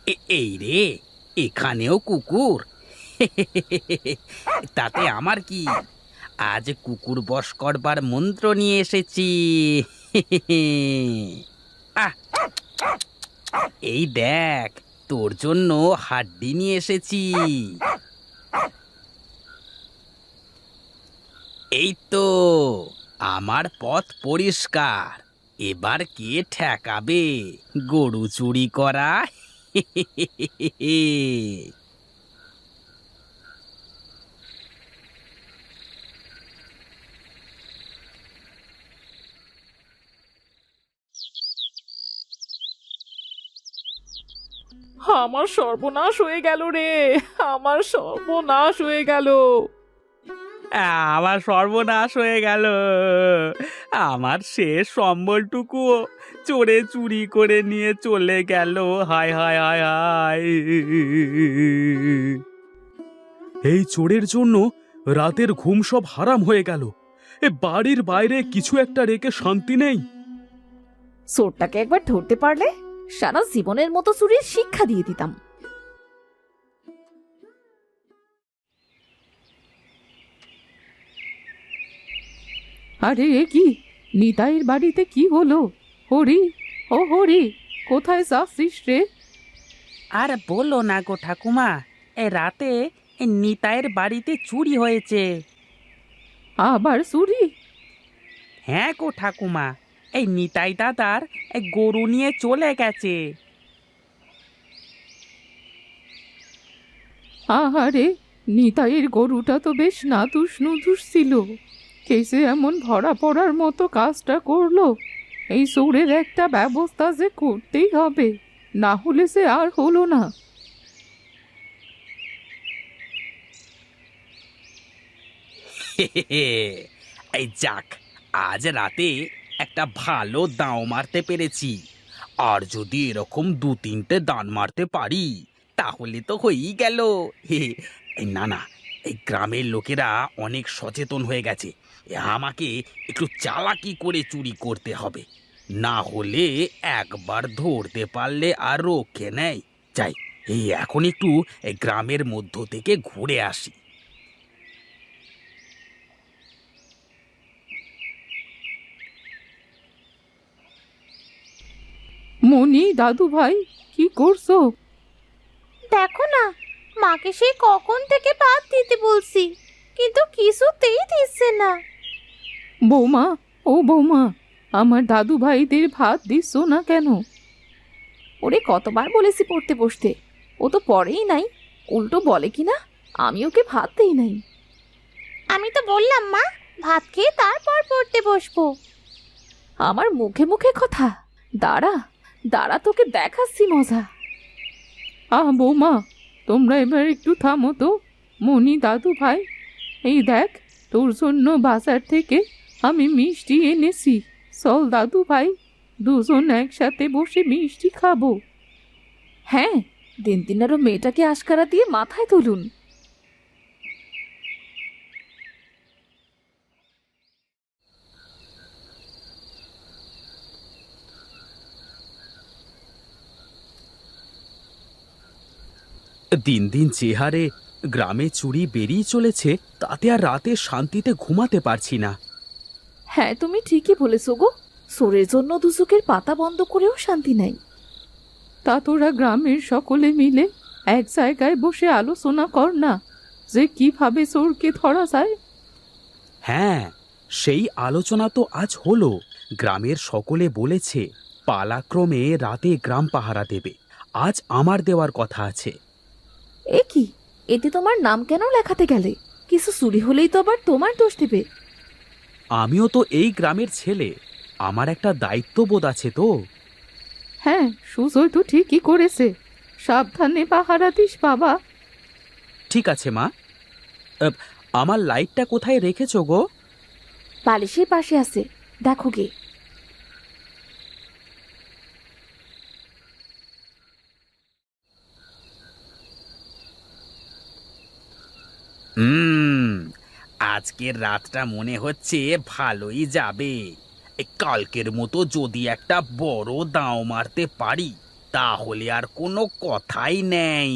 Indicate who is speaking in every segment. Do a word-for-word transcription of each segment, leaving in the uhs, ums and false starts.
Speaker 1: এ- এই রে, এখানেও কুকুর। তাতে আমার কি, আজ কুকুর বশ করবার মন্ত্র নিয়ে এসেছি। আহ, এই দেখ, তোর জন্য হাড্ডি নিয়ে এসেছি। এই তো, আমার পথ পরিষ্কার। এবার কে ঠেকাবে গরু চুরি করা?
Speaker 2: আমার সর্বনাশ হয়ে গেল রে। আমার সর্বনাশ হয়ে গেল।
Speaker 1: আমার সর্বনাশ হয়ে গেল। আমার শেষ সম্বলটুকুও চোরে চুরি করে নিয়ে চলে গেল। হায় হায় হায় হায়।
Speaker 3: এই চোরের জন্য রাতের ঘুম সব হারাম হয়ে গেল। এ বাড়ির বাইরে কিছু একটা রেখে শান্তি নেই।
Speaker 4: চোরটাকে একবার ধরতে পারলে সারা জীবনের মতো চুরির শিক্ষা দিয়ে দিতাম।
Speaker 2: আরে এ কি, নিতাইয়ের বাড়িতে কি হলো? হরি, ও হরি, কোথায় যাচ্ছিস রে?
Speaker 1: আর বলো না গো ঠাকুমা, এ রাতে এ নিতাইয়ের বাড়িতে চুরি হয়েছে।
Speaker 2: আবার চুরি?
Speaker 1: হ্যাঁ গো ঠাকুমা, এই নিতাই দাদার এ গরু নিয়ে চলে গেছে।
Speaker 2: আহারে, নিতাইয়ের গরুটা তো বেশ নাদুস নুদুস ছিল। কেসে এমন ভরা পড়ার মতো কাজটা করলো। এই চোরের একটা ব্যবস্থা যে করতেই হবে, না হলে সে আর হলো না।
Speaker 1: এই যাক, আজ রাতে একটা ভালো দাঁও মারতে পেরেছি। আর যদি এরকম দু তিনটে দান মারতে পারি তাহলে তো হয়েই গেল। হে, এই না না, এই গ্রামের লোকেরা অনেক সচেতন হয়ে গেছে। এ আমাকে একটু চালাকি করে চুরি করতে হবে, না হলে একবার ধরতে পারলে আর রক্ষে নেই। যাই, এই এখন একটু এই গ্রামের মধ্য থেকে ঘুরে আসি।
Speaker 2: মনি, দাদু ভাই, কি করছো?
Speaker 5: দেখো না, মাকে সেই কখন থেকে ভাত দিতে বলছি, কিন্তু কিছুতেই দিচ্ছে না।
Speaker 2: বৌমা, ও বৌমা, আমার দাদু ভাইদের ভাত দিচ্ছ না কেন?
Speaker 4: ওরে কতবার বলেছি পড়তে বসতে, ও তো পড়েই নাই। উল্টো বলে কিনা আমি ওকে ভাত দেই নাই।
Speaker 5: আমি তো বললাম মা, ভাত খেয়ে তারপর পড়তে বসবো।
Speaker 4: আমার মুখে মুখে কথা। দাঁড়া দাঁড়া, তোকে দেখাচ্ছি মজা।
Speaker 2: আহ বৌমা, তোমরা এবার একটু থামো তো। মনি, দাদু ভাই, এই দেখ, তোর জন্য বাজার থেকে আমি মিষ্টি এনেছি। চল দাদু ভাই, দুজন একসাথে বসে মিষ্টি খাবো।
Speaker 4: হ্যাঁ, দিন দিন আরো মেয়েটাকে আশকারা দিয়ে মাথায় তুলুন।
Speaker 3: দিন দিন যে হারে গ্রামে চুরি বেরিয়ে চলেছে, তাতে আর রাতে শান্তিতে ঘুমাতে পারছি না।
Speaker 4: হ্যাঁ, তুমি ঠিকই বলেছো গো। চোরের জন্য দুচোখের পাতা বন্ধ করেও শান্তি নাই।
Speaker 2: তা তোরা গ্রামের সকলে মিলে এক জায়গায় বসে আলোচনা কর না, যে কিভাবে চোরকে ধরা যায়।
Speaker 3: হ্যাঁ, সেই আলোচনা তো আজ হলো। গ্রামের সকলে বলেছে পালাক্রমে রাতে গ্রাম পাহারা দেবে। আজ আমার দেওয়ার কথা আছে।
Speaker 4: এ কি, এতে তোমার নাম কেন লেখাতে গেলে? কিছু চুরি হলেই তো আবার তোমার দোষ দেবে।
Speaker 3: আমিও তো এই গ্রামের ছেলে, আমার একটা দায়িত্ববোধ আছে তো।
Speaker 2: হ্যাঁ, সুজয় তো ঠিকই করেছে। সাবধানে পাহারা দিস বাবা।
Speaker 3: ঠিক আছে মা। আহ, আমার লাইটটা কোথায় রেখেছো গো?
Speaker 4: বালিশের পাশে আছে, দেখো গে।
Speaker 1: হুম, আজকের রাতটা মনে হচ্ছে ভালোই যাবে। এই কালকের মতো যদি একটা বড় দাঁও মারতে পারি তাহলে আর কোনো কথাই নেই।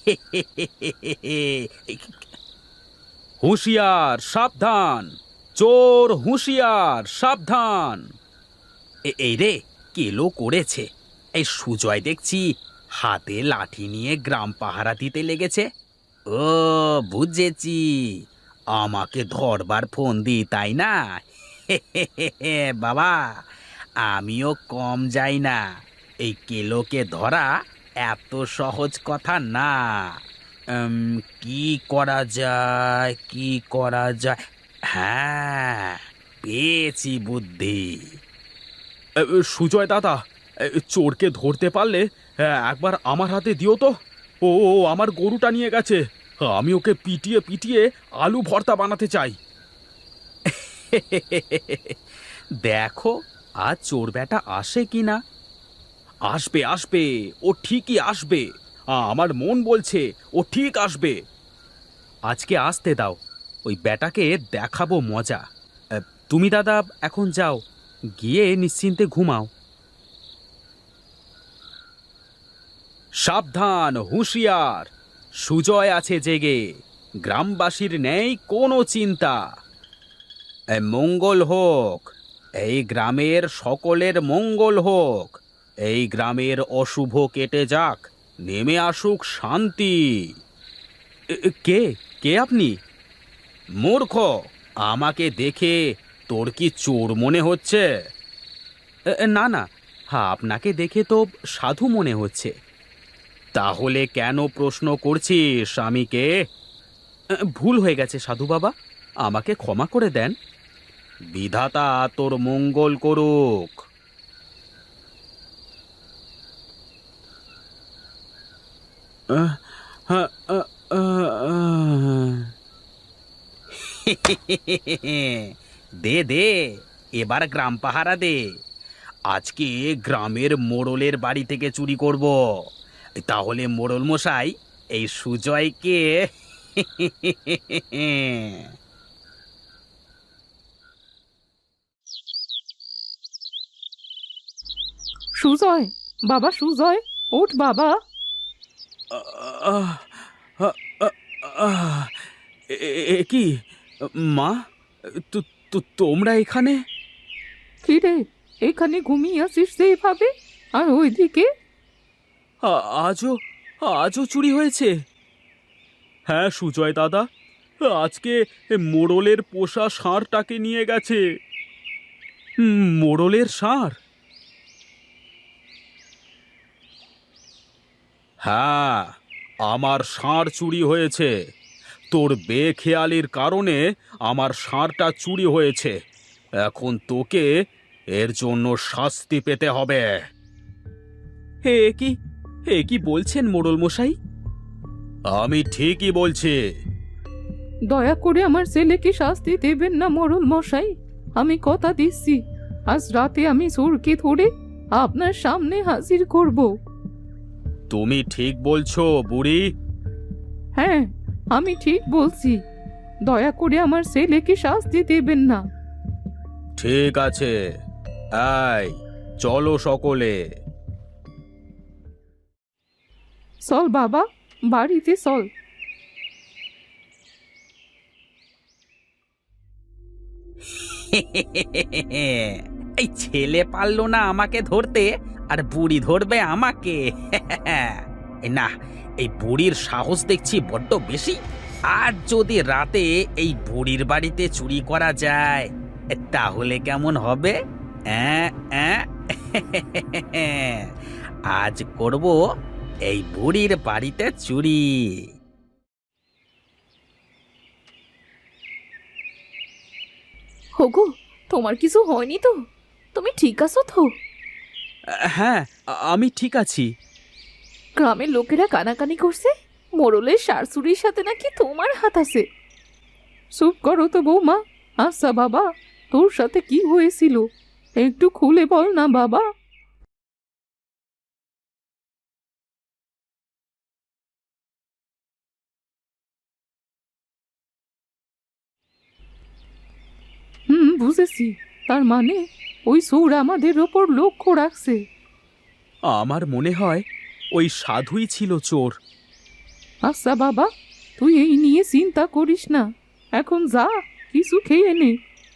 Speaker 3: হুঁশিয়ার সাবধান, চোর হুঁশিয়ার সাবধান।
Speaker 1: এ- এই রে, কেলো করেছে। এই সুজয় দেখছি হাতে লাঠি নিয়ে গ্রাম পাহারা দিতে লেগেছে। ও, বুঝেছি, আমাকে ধরবার ফোন দি, তাই না? বাবা, আমিও কম যাই না। এই কেলোকে ধরা এত সহজ কথা না। উম, কি করা যায়, কি করা যায়? হ্যাঁ, পেয়েছি বুদ্ধি।
Speaker 3: এ, এ, সুজয় দাদা, এ, চোরকে ধরতে পারলে এ, একবার আমার হাতে দিও তো। ও ও, আমার গরুটা নিয়ে গেছে, আমি ওকে পিটিয়ে পিটিয়ে আলু ভর্তা বানাতে চাই।
Speaker 1: দেখো আজ চোর বেটা আসে কিনা।
Speaker 3: আসবে আসবে, ও ঠিকই আসবে। আ, আমার মন বলছে ও ঠিক আসবে। আজকে আসতে দাও, ওই বেটাকে দেখাবো মজা। এ, তুমি দাদা এখন যাও, গিয়ে নিশ্চিন্তে ঘুমাও। সাবধান, হুঁশিয়ার, সুজয় আছে জেগে, গ্রামবাসীর নেই কোনো চিন্তা।
Speaker 1: এ, মঙ্গল হোক, এই গ্রামের সকলের মঙ্গল হোক। এই গ্রামের অশুভ কেটে যাক, নেমে আসুক শান্তি।
Speaker 3: এ, এ, কে কে আপনি?
Speaker 1: মূর্খ, আমাকে দেখে তোর কি চোর মনে হচ্ছে?
Speaker 3: এ, এ, না না, হ্যাঁ, আপনাকে দেখে তো সাধু মনে হচ্ছে।
Speaker 1: তাহলে কেন প্রশ্ন করছিস স্বামীকে?
Speaker 3: এ, ভুল হয়ে গেছে সাধু বাবা, আমাকে ক্ষমা করে দেন।
Speaker 1: বিধাতা তোর মঙ্গল করুক।
Speaker 3: আহ, আহ, আহ, আহ।
Speaker 1: দে দে, এবার গ্রাম পাহারা দে। আজকে গ্রামের মোড়লের বাড়ি থেকে চুরি করব। তাহলে মোড়ল মশাই এই সুজয়কে
Speaker 2: সুজয়, বাবা সুজয়, ওঠ বাবা।
Speaker 3: আহ, আহ, আহ, আহ, এ- এ- এ কি মা, তো- তো- তোমরা এখানে?
Speaker 2: কি রে, এখানে ঘুমিয়ে আসিস যে এভাবে? আর ওইদিকে?
Speaker 3: আ- আজও আজও চুরি হয়েছে? হ্যাঁ সুজয় দাদা, আজকে মোড়লের পোষা ষাঁড়টাকে নিয়ে গেছে। হুম, মোড়লের ষাঁড়?
Speaker 1: হ্যাঁ, আমার ষাঁড় চুরি হয়েছে। তোর বেখেয়ালির কারণে আমার ষাঁড়টা চুরি হয়েছে। এখন তোকে এর জন্য শাস্তি পেতে হবে।
Speaker 3: হে এ কি এ কি বলছেন মোড়ল মশাই?
Speaker 1: আমি ঠিকই বলছি।
Speaker 2: দয়া করে আমার ছেলেকে শাস্তি দেবেন না মোড়ল মশাই। আমি কথা দিচ্ছি, আজ রাতে আমি চোরকে ধরে আপনার সামনে হাজির করব।
Speaker 1: তুমি ঠিক বলছো বুড়ি।
Speaker 2: হ্যাঁ, আমি ঠিক বলছি। দয়া করে আমার ছেলেকে শাস্তি দেবেন না।
Speaker 1: ঠিক আছে, এই চলো সকলে।
Speaker 2: চল বাবা, বাড়িতে চল।
Speaker 1: এই ছেলে পারলো না আমাকে ধরতে, আর বুড়ি ধরবে আমাকে? এই না, এই বুড়ির সাহস দেখছি বড্ড বেশি। আর যদি রাতে এই বুড়ির বাড়িতে চুরি করা যায়, তাহলে কেমন হবে? অ্যাঁ, অ্যাঁ? আজ করব এই বুড়ির বাড়িতে চুরি।
Speaker 4: হোগো, তোমার কিছু হয়নি তো? তুমি ঠিক আছো তো?
Speaker 3: হ্যাঁ, আ- আমি ঠিক আছি।
Speaker 4: গ্রামের লোকেরা কানাকানি করছে মোড়লের শাশুড়ির সাথে নাকি তোমার হাত আছে।
Speaker 2: চুপ করো তো বৌমা। আচ্ছা বাবা, তোর সাথে কি হয়েছিল একটু খুলে বল না বাবা। হুম, বুঝেছি। তার মানে ওই চোর আমাদের ওপর লক্ষ্য রাখছে।
Speaker 3: আমার মনে হয় ওই সাধুই ছিল চোর।
Speaker 2: আচ্ছা বাবা, তুই এই নিয়ে চিন্তা করিস না, এখন যা কিছু খেয়ে নে।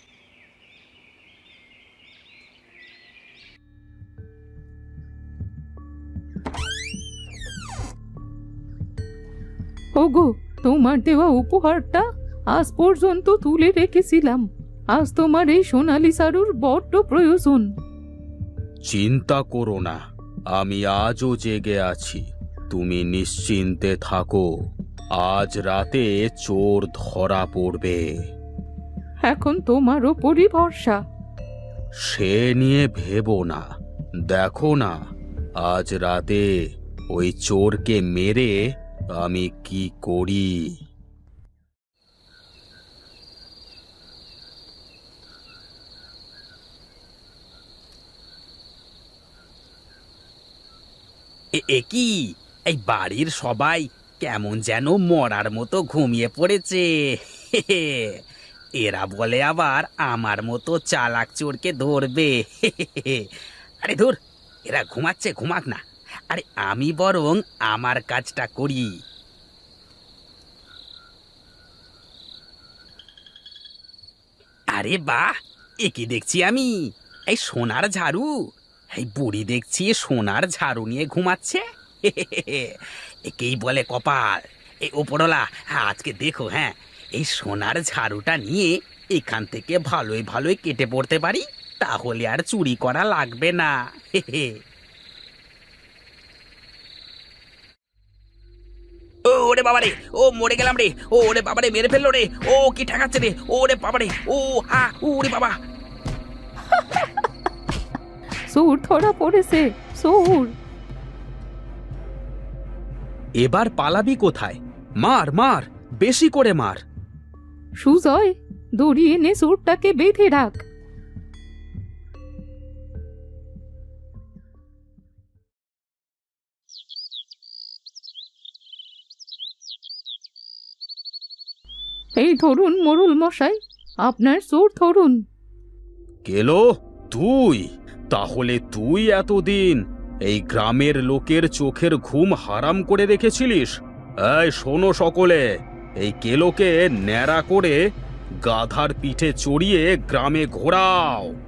Speaker 2: ওগো, তোমার দেওয়া উপহারটা আজ পর্যন্ত তুলে রেখেছিলাম। আজ তোমার এই সোনালি সারুর বড্ড প্রয়োজন।
Speaker 3: চিন্তা করো না, আমি আজও জেগে আছি। তুমি নিশ্চিন্তে থাকো, আজ রাতে চোর ধরা পড়বে।
Speaker 2: এখন তোমার ওপরই ভরসা।
Speaker 3: সে নিয়ে ভেবো না, দেখো না আজ রাতে ওই চোরকে মেরে আমি কি করি।
Speaker 1: এ এ কি, এই বাড়ির সবাই কেমন যেন মরার মতো ঘুমিয়ে পড়েছে। এরা বলে আবার আমার মতো চালাক চোরকে ধরবে। আরে ধুর, এরা ঘুমাচ্ছে, ঘুমাক না। আরে আমি বরং আমার কাজটা করি। আরে বাহ, এ কি দেখছি আমি? এই সোনার ঝাড়ু! এই বুড়ি দেখছি সোনার ঝাড়ু নিয়ে ঘুমাচ্ছে। একেই বলে কপাল। এই ওপরওয়ালা, আজকে দেখো, হ্যাঁ, এই সোনার ঝাড়ুটা নিয়ে এখান থেকে ভালোই ভালোই কেটে পড়তে পারি, তাহলে আর চুরি করা লাগবে না। ও ওরে বাবারে, ও মরে গেলাম রে! ও ওরে বাবারে, মেরে ফেললো রে! ও কি ঠেকাচ্ছে রে! ওরে বাবারে, ও আ ওরে বাবা!
Speaker 2: চোর ধরা পড়েছে, চোর।
Speaker 3: এবার পালাবি কোথায়? মার মার, বেশি করে মার।
Speaker 2: সুজয়, দড়ি এনে চোরটাকে বেঁধে রাখ। এই ধরুন মোড়ল মশাই, আপনার চোর ধরুন।
Speaker 3: গেলো তুই? তাহলে তুই এতদিন এই গ্রামের লোকের চোখের ঘুম হারাম করে রেখেছিলিস? এই শোনো সকলে, এই কেলোকে ন্যাড়া করে গাধার পিঠে চড়িয়ে গ্রামে ঘোরাও।